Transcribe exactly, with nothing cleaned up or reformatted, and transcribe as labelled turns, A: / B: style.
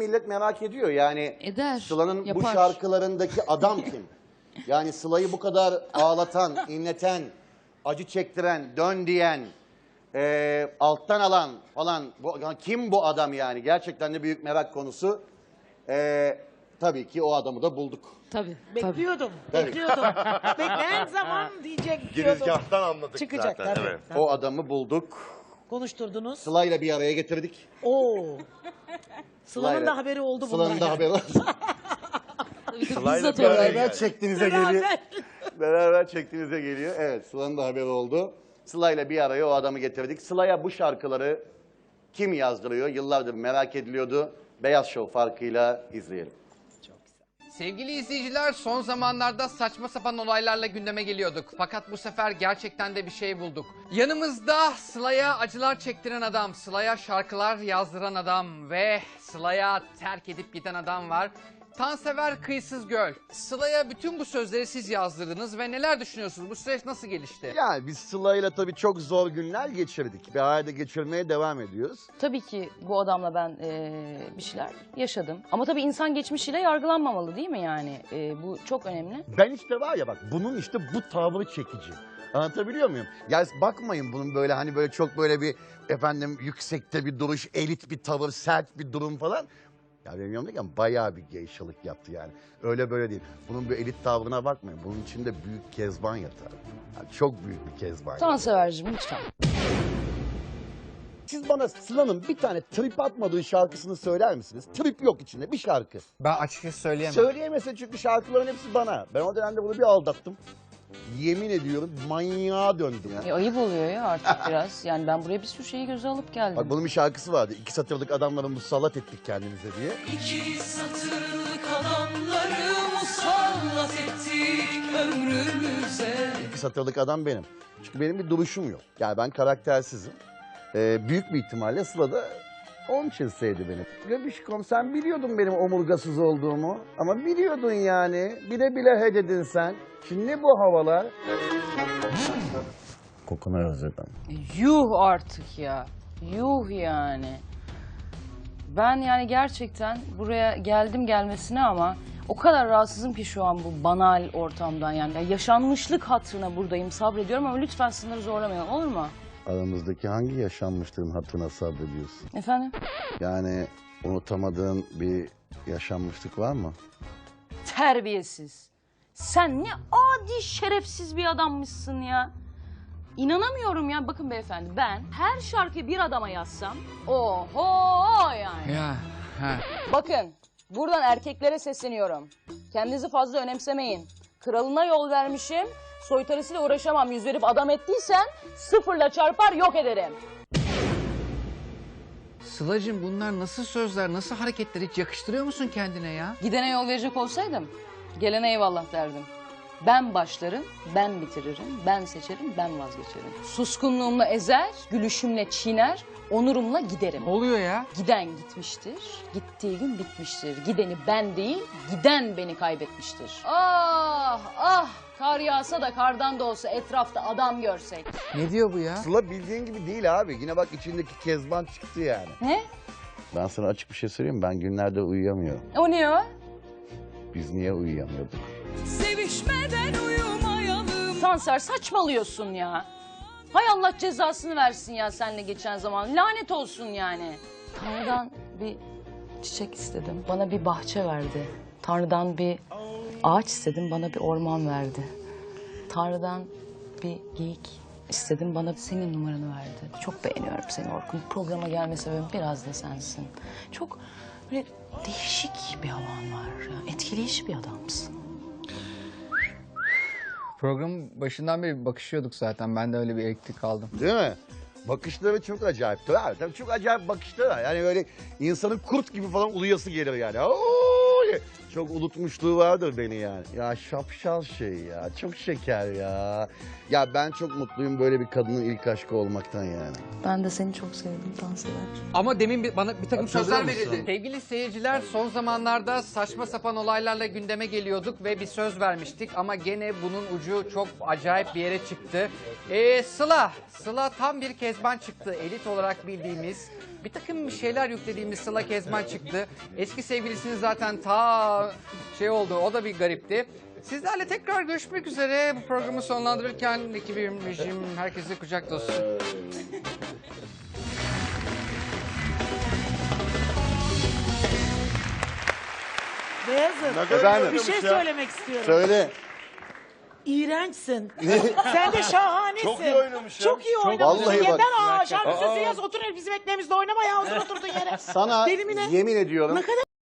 A: millet merak ediyor. Yani
B: Eder,
A: Sıla'nın bu
B: yapar.
A: şarkılarındaki adam kim? Yani Sıla'yı bu kadar ağlatan, inleten, acı çektiren, dön diyen, e, alttan alan falan. Bu, yani kim bu adam yani? Gerçekten de büyük merak konusu. E, tabii ki o adamı da bulduk.
B: Tabii.
C: Bekliyordum,
A: Tabii.
C: bekliyordum. Bekleyen zaman diyecek diyordum.
D: Girizgahtan anladık
C: Çıkacak
D: zaten.
C: tabii.
D: Evet.
C: tabii.
A: O adamı bulduk.
C: Konuşturdunuz.
A: Sıla'yla bir araya getirdik.
C: Oo. Sıla'nın
A: Sıla'yla-
C: da haberi oldu bundan.
A: Sıla'nın da
C: yani.
A: haberi oldu.
D: Sıla'yla
B: Bizzat
D: bir araya
B: oraya.
A: Beraber
D: geldik.
A: çektiğinize
C: Beraber.
A: geliyor. Beraber çektiğinize geliyor. Evet, Sıla'nın da haberi oldu. Sıla'yla bir araya o adamı getirdik. Sıla'ya bu şarkıları kim yazdırıyor? Yıllardır merak ediliyordu. Beyaz Show farkıyla izleyelim.
E: Sevgili izleyiciler, son zamanlarda saçma sapan olaylarla gündeme geliyorduk. Fakat bu sefer gerçekten de bir şey bulduk. Yanımızda Sıla'ya acılar çektiren adam, Sıla'ya şarkılar yazdıran adam ve Sıla'ya terk edip giden adam var. Tansever Kıyısız Göl. Sıla'ya bütün bu sözleri siz yazdırdınız ve neler düşünüyorsunuz? Bu süreç nasıl gelişti?
A: Yani biz Sıla'yla tabii çok zor günler geçirdik. Bir arada geçirmeye devam ediyoruz.
F: Tabii ki bu adamla ben eee, bir şeyler yaşadım. Ama tabii insan geçmişiyle yargılanmamalı değil mi yani? Eee, bu çok önemli.
A: Ben işte var ya bak bunun işte bu tavrı çekici. Anlatabiliyor muyum? Ya bakmayın bunun böyle hani böyle çok böyle bir efendim yüksekte bir duruş, elit bir tavır, sert bir durum falan. Ya benim yanımdayken bayağı bir geyşalık yaptı yani. Öyle böyle değil. Bunun bir elit tavrına bakmayın. Bunun içinde büyük kezban yatar. Yani çok büyük bir kezban yatar.
F: Tansever'cim lütfen.
A: Siz bana Sıla'nın bir tane trip atmadığı şarkısını söyler misiniz? Trip yok içinde bir şarkı.
E: Ben açıkçası söyleyemem.
A: Söyleyemezsin çünkü şarkıların hepsi bana. Ben o dönemde bunu bir aldattım. Yemin ediyorum manyağa döndüm ya.
F: E, ayıp oluyor ya artık biraz. Yani ben buraya bir sürü şeyi göze alıp geldim.
A: Bak bunun bir şarkısı vardı. İki satırlık adamları musallat ettik kendimize diye.
G: İki satırlık adamları musallat ettik ömrümüze.
A: İki satırlık adam benim. Çünkü benim bir duruşum yok. Yani ben karaktersizim. Ee, büyük bir ihtimalle Sıla da onun için sevdi beni. Göbüşkom sen biliyordun benim omurgasız olduğumu. Ama biliyordun yani. Bile bile he dedin sen. Şimdi ne bu havalar? Kokunu özledim.
F: Yuh artık ya. Yuh yani. Ben yani gerçekten buraya geldim gelmesine ama o kadar rahatsızım ki şu an bu banal ortamdan yani. Ya yaşanmışlık hatırına buradayım, sabrediyorum ama lütfen sınırı zorlamayalım, olur mu?
A: Aramızdaki hangi yaşanmışlığın hatırına sabrediyorsun?
F: Efendim?
A: Yani unutamadığın bir yaşanmışlık var mı?
F: Terbiyesiz. Sen ne adi şerefsiz bir adammışsın ya. İnanamıyorum ya. Bakın beyefendi, ben her şarkıyı bir adama yazsam oho yani.
E: Ya, ha.
F: Bakın buradan erkeklere sesleniyorum. Kendinizi fazla önemsemeyin. Kralına yol vermişim. Soytarısıyla uğraşamam. Yüz verip adam ettiysen sıfırla çarpar yok ederim.
E: Sıla'cığım bunlar nasıl sözler, nasıl hareketler, hiç yakıştırıyor musun kendine ya?
F: Gidene yol verecek olsaydım gelene eyvallah derdim. Ben başlarım, ben bitiririm, ben seçerim, ben vazgeçerim. Suskunluğumla ezer, gülüşümle çiğner, onurumla giderim.
E: Ne oluyor ya?
F: Giden gitmiştir, gittiği gün bitmiştir. Gideni ben değil, giden beni kaybetmiştir. Ah ah, kar yağsa da kardan da olsa etrafta adam görsek.
E: Ne diyor bu ya?
A: Sıla bildiğin gibi değil abi. Yine bak içindeki kezban çıktı yani.
F: Ne?
A: Ben sana açık bir şey söyleyeyim mi? Ben günlerde uyuyamıyorum.
F: O ne o?
A: Biz niye uyuyamıyorduk?
G: Sevişmeden uyumayalım.
F: Tanser saçmalıyorsun ya. Hay Allah cezasını versin ya seninle geçen zaman. Lanet olsun yani. Tanrı'dan bir çiçek istedim. Bana bir bahçe verdi. Tanrı'dan bir ağaç istedim. Bana bir orman verdi. Tanrı'dan bir geyik istedim. Bana senin numaranı verdi. Çok beğeniyorum seni Orkun. Programa gelme sebebim biraz da sensin. Çok böyle değişik bir havan var. Ya. Etkileyici bir adamsın.
E: Programın başından beri bakışıyorduk zaten. Ben de öyle bir elektrik aldım.
A: Değil mi? Bakışları çok acayip. Tabii, tabii çok acayip bakışları var. Yani böyle insanın kurt gibi falan uluyası gelir yani. Oo! çok unutmuşluğu vardır beni yani. Ya şapşal şey ya. Çok şeker ya. Ya ben çok mutluyum böyle bir kadının ilk aşkı olmaktan yani.
F: Ben de seni çok sevdim dans ederken.
E: Ama demin bir, bana bir takım
A: Hatırlıyor
E: sözler
A: musun?
E: verildi. Sevgili seyirciler, son zamanlarda saçma sapan olaylarla gündeme geliyorduk ve bir söz vermiştik ama gene bunun ucu çok acayip bir yere çıktı. Ee, Sıla, Sıla tam bir Kezban çıktı. Elit olarak bildiğimiz, bir takım bir şeyler yüklediğimiz Sıla Kezban çıktı. Eski sevgilisinin zaten ta şey oldu, o da bir garipti. Sizlerle tekrar görüşmek üzere. Bu programı sonlandırırken ekibim, rejim, herkese kucak dolusu.
C: Beyazıt,
A: Efendim?
C: bir şey söylemek istiyorum.
A: Söyle.
C: İğrençsin. Sen de şahanesin.
D: Çok iyi oynamış ya.
C: Çok iyi oynamışsın.
A: Vallahi bak.
C: Yeter aa şarkı
D: Aa.
C: sözü yaz otur el bizim ekmeğimizde oynama ya otur oturduğun yere.
A: Sana
C: Deli mi ne?
A: yemin ediyorum.
C: Ne kadar